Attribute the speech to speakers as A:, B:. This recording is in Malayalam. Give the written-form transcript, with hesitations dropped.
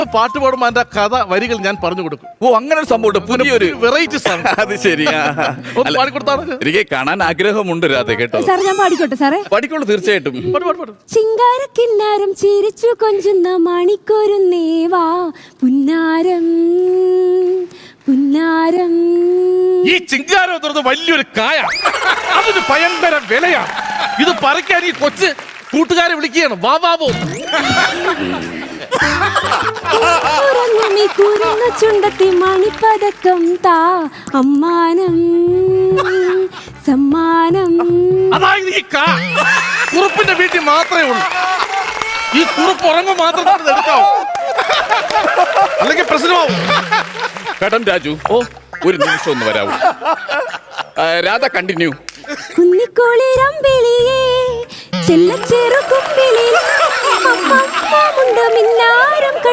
A: പാട്ട് പാടുമ്പോൾ അതിന്റെ കഥ വരികൾ ഞാൻ പറഞ്ഞു കൊടുക്കും.
B: ഓ, അങ്ങനെ ഒരു സംഭവം, പുതിയൊരു
A: വെറൈറ്റി സാങ്.
B: അത് ശരി.
A: ഒന്ന് പാടിക്കൊടുത്താണ്.
B: എനിക്ക് കാണാൻ ആഗ്രഹമുണ്ട് രാധ, കേട്ടോ.
C: സാറേ ഞാൻ പാടിക്കോട്ടെ സാറേ?
B: പാടിക്കോളൂ, തീർച്ചയായിട്ടും.
C: ചിങ്കാരക്കിന്നാരം ചിരിച്ചു കൊഞ്ചുന്ന മണിക്കൊരു നേവാ പുന്നാരം പുന്നാരം.
A: ഈ ചിങ്കാരം എന്ന് പറയുന്നത് വലിയൊരു കായ, അതിന് ഭയങ്കര വിലയാണ്. ഇത് പറിക്കാൻ ഈ കൊച്ച് കൂട്ടുകാരെ വിളിക്കുകയാണ്, വാ ബാബു.
C: ചുണ്ടത്തി മണിപ്പതക്കം താ അമ്മാനം സമ്മാനം.
A: അതായത് ഈ കുറുപ്പിന്റെ വീട്ടിൽ മാത്രമേ ഉള്ളൂ. ഈ കുറുപ്പ് ഉറങ്ങും മാത്രം എടുക്കാവൂ, അല്ലെങ്കിൽ പ്രശ്നമാവും.
B: കടം രാജു, ഓ ഒരു നിമിഷം ഒന്ന് വരാവൂ. രാധ, കണ്ടിന്യൂ.
C: കുന്നിക്കോളിരമ്പിളിയേ ചെല്ലച്ചെറു കുമ്പിളിൽ മിന്നാരം